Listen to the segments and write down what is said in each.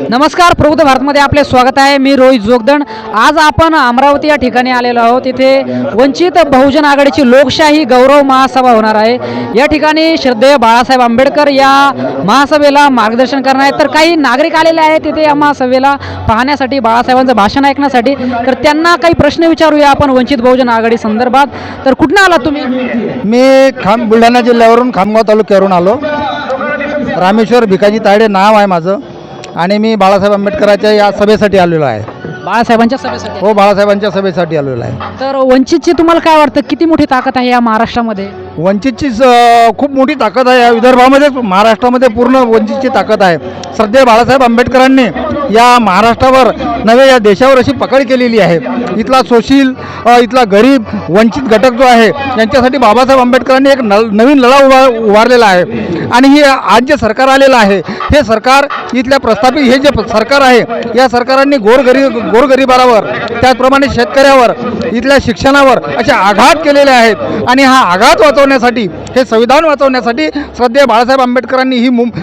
नमस्कार, प्रबुद्ध भारतमध्ये आपले स्वागत आहे। मी रोहित जोगदंड। आज आपण अमरावती या ठिकाणी आलेलो आहोत। तिथे वंचित बहुजन आघाडीची लोकशाही गौरव महासभा होणार आहे। या ठिकाणी श्रद्धेय बाळासाहेब आंबेडकर या महासभेला मार्गदर्शन करणार आहेत। तर काही नागरिक आलेले आहेत तिथे या महासभेला पाहण्यासाठी, बाळासाहेबांचं भाषण ऐकण्यासाठी। तर त्यांना काही प्रश्न विचारूया आपण वंचित बहुजन आघाडी संदर्भात। तर कुठून आला तुम्ही? मी बुलढाणा जिल्ह्यावरून खामगाव तालुक्यावरून आलो। रामेश्वर भिकाजी तायडे नाव आहे माझं आणि मी बाळासाहेब आंबेडकरांच्या या सभेसाठी आलेलो आहे। बाळासाहेबांच्या सभेसाठी? हो, बाळासाहेबांच्या सभेसाठी आलेलो आहे। तर वंचितची तुम्हाला काय वाटतं, किती मोठी ताकद आहे या महाराष्ट्रामध्ये? वंचितची खूप मोठी ताकद आहे या विदर्भामध्ये, महाराष्ट्रामध्ये पूर्ण वंचितची ताकद आहे। श्रद्धेय बाळासाहेब आंबेडकरांनी या महाराष्ट्रावर नव्हे या देशावर अशी पकड केलेली आहे। इथला सोशील, इथला गरीब वंचित घटक जो आहे यांच्यासाठी बाबासाहेब आंबेडकरांनी एक नवीन लढा उभारलेला आहे। आणि हे आज जे सरकार आलेलं आहे, हे सरकार इथल्या प्रस्थापित हे जे सरकार आहे, या सरकारांनी गोरगरिबावर, त्याचप्रमाणे शेतकऱ्यावर, इथल्या शिक्षणावर असे आघात केलेले आहेत। आणि हा आघात वाचवण्यासाठी, हे संविधान वाचवण्यासाठी श्रद्धेय बाळासाहेब आंबेडकरांनी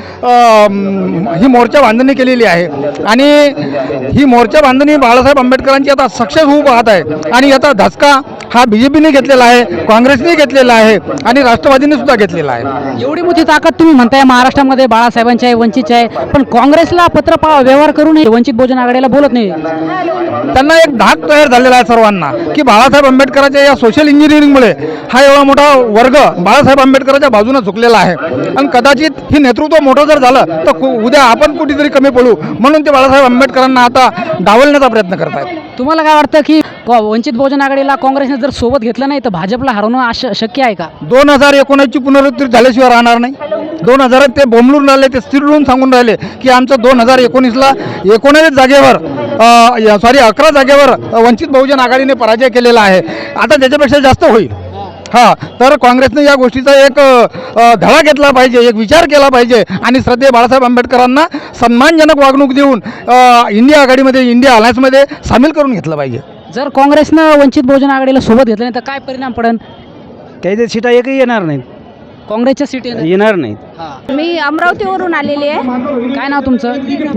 ही मोर्चा बांधणी केलेली आहे। आणि ही मोर्चा बांधणी बाळासाहेब आंबेडकरांची आता सक्सेस होऊ पाहत आहे। आणि याचा धसका हा BJPने घेतलेला आहे, काँग्रेसने घेतलेला आहे आणि राष्ट्रवादीने सुद्धा घेतलेला आहे। एवढी मोठी ताकद तुम्ही म्हणताय महाराष्ट्रामध्ये बाळासाहेबांची आहे, वंचितची आहे, पण काँग्रेसला पत्र व्यवहार करून वंचित बहुजन आघाडीला बोलत नाही। त्यांना एक धाक तयार झालेला आहे सर्वांना की बाळासाहेब आंबेडकरांच्या या सोशल इंजिनिअरिंगमुळे हा एवढा मोठा वर्ग बाळासाहेब आंबेडकरांच्या बाजूने झुकलेला आहे। आणि कदाचित हे नेतृत्व मोठं जर झालं तर उद्या आपण कुठेतरी कमी पडू, म्हणून ते बाळासाहेब आंबेडकरांना आता डावलण्याचा प्रयत्न करत आहेत। तुम्हाला काय वाटतं की वंचित बहुजन आघाडीला काँग्रेसने जर सोबत घेतलं नाही तर भाजपला हरवणं शक्य आहे का? 2019ची पुनरुत्ती झाल्याशिवाय राहणार नाही। 2000 ते बोंबलून राहिले, ते स्थिर होऊन सांगून राहिले की आमचं 2019ला 19 जागेवर 11 जागेवर वंचित बहुजन आघाडीने पराजय केलेला आहे। आता त्याच्यापेक्षा जास्त होईल। तर काँग्रेसने या गोष्टीचा एक धडा घेतला पाहिजे, एक विचार केला पाहिजे आणि श्रद्धेय बाळासाहेब आंबेडकरांना सन्मानजनक वागणूक देऊन इंडिया आघाडीमध्ये, इंडिया अलायन्समध्ये सामील करून घेतलं पाहिजे। जर काँग्रेसनं वंचित बहुजन आघाडीला सोबत घेतलं नाही तर काय परिणाम पडेल? त्याच्या सीटा एकही येणार नाहीत, काँग्रेसच्या सीट येणार नाहीत। मी अमरावतीवरून आलेली आहे। काय नाव तुमचं?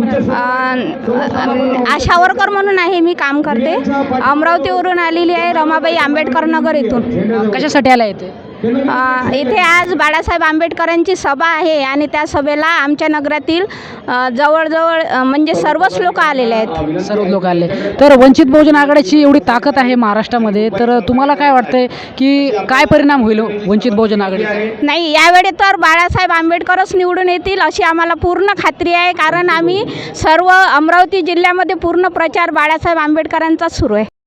आशा वर्कर म्हणून आहे, मी काम करते। अमरावतीवरून आलेली आहे, रमाबाई आंबेडकर नगर इथून। कशासाठी आला इथे? इथे आज बाळासाहेब आंबेडकरांची सभा आहे आणि त्या सभेला आमच्या नगरातील जवळजवळ म्हणजे सर्वच लोक आलेले आहेत। सर्व लोक आले। तर वंचित बहुजन आघाडीची एवढी ताकद आहे महाराष्ट्रामध्ये, तर तुम्हाला काय वाटतंय की काय परिणाम होईल वंचित बहुजन आघाडीचा? नाही, यावेळी तर बाळासाहेब आंबेडकरच निवडून येतील अशी आम्हाला पूर्ण खात्री आहे, कारण आम्ही सर्व अमरावती जिल्ह्यामध्ये पूर्ण प्रचार बाळासाहेब आंबेडकरांचा सुरू आहे।